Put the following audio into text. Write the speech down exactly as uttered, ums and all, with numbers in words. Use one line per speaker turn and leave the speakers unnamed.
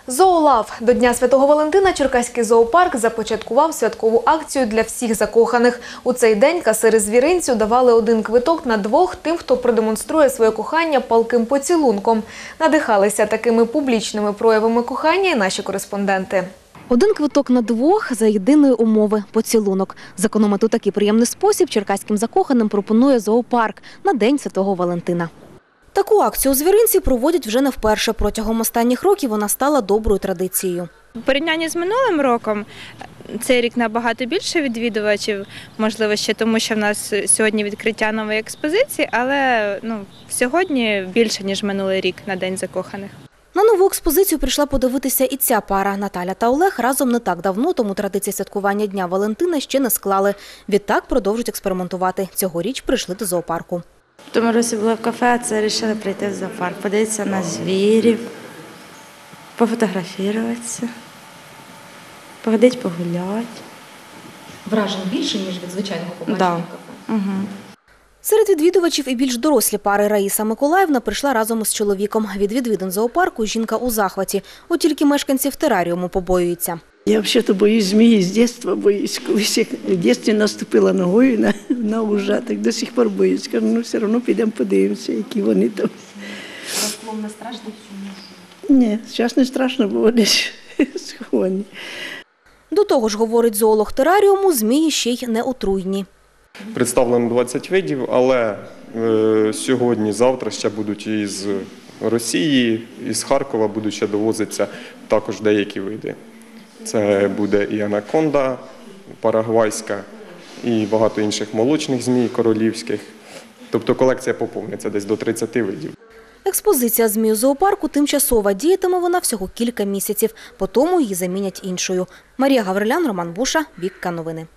Зоолав. До Дня Святого Валентина Черкаський зоопарк започаткував святкову акцію для всіх закоханих. У цей день касири звіринцю давали один квиток на двох тим, хто продемонструє своє кохання палким поцілунком. Надихалися такими публічними проявами кохання і наші кореспонденти.
Один квиток на двох за єдиної умови – поцілунок. Зекономити у такий приємний спосіб черкаським закоханим пропонує зоопарк на День Святого Валентина. Таку акцію у звіринці проводять вже не вперше. Протягом останніх років вона стала доброю традицією.
У порівнянні з минулим роком цей рік набагато більше відвідувачів, можливо, ще тому, що в нас сьогодні відкриття нової експозиції, але ну, сьогодні більше, ніж минулий рік на День закоханих.
На нову експозицію прийшла подивитися і ця пара. Наталя та Олег разом не так давно, тому традиції святкування Дня Валентина ще не склали. Відтак продовжують експериментувати. Цьогоріч прийшли до зоопарку.
В тому році були в кафе, а це вирішили прийти в зоопарк, подивитися на звірів, пофотографуватися, походити, погуляти.
Вражень більше, ніж від звичайного побачення
Да.
в кафе?
Угу.
Серед відвідувачів і більш дорослі пари. Раїса Миколаївна прийшла разом із чоловіком. Від відвідин зоопарку жінка у захваті. От тільки мешканців тераріуму побоюються.
Я взагалі-то боюсь змії, з дитинства боюсь. Колись як в дитинстві наступила ногою на, на ужа, так до сих пор боюсь. Кажу, ну все одно підемо подивимося, які вони там.
Розклон не страшно?
Ні, зараз не страшно, бо вони ж сховані.
До того ж, говорить зоолог тераріуму, змії ще й не отруйні.
Представлено двадцять видів, але е, сьогодні, завтра ще будуть із Росії, із Харкова будуть ще довозитися також деякі види. Це буде і анаконда парагвайська, і багато інших молочних змій королівських. Тобто колекція поповниться десь до тридцяти видів.
Експозиція змій у зоопарку тимчасова. Діятиме вона всього кілька місяців. Потім її замінять іншою. Марія Гаврилян, Роман Буша, Вікка Новини.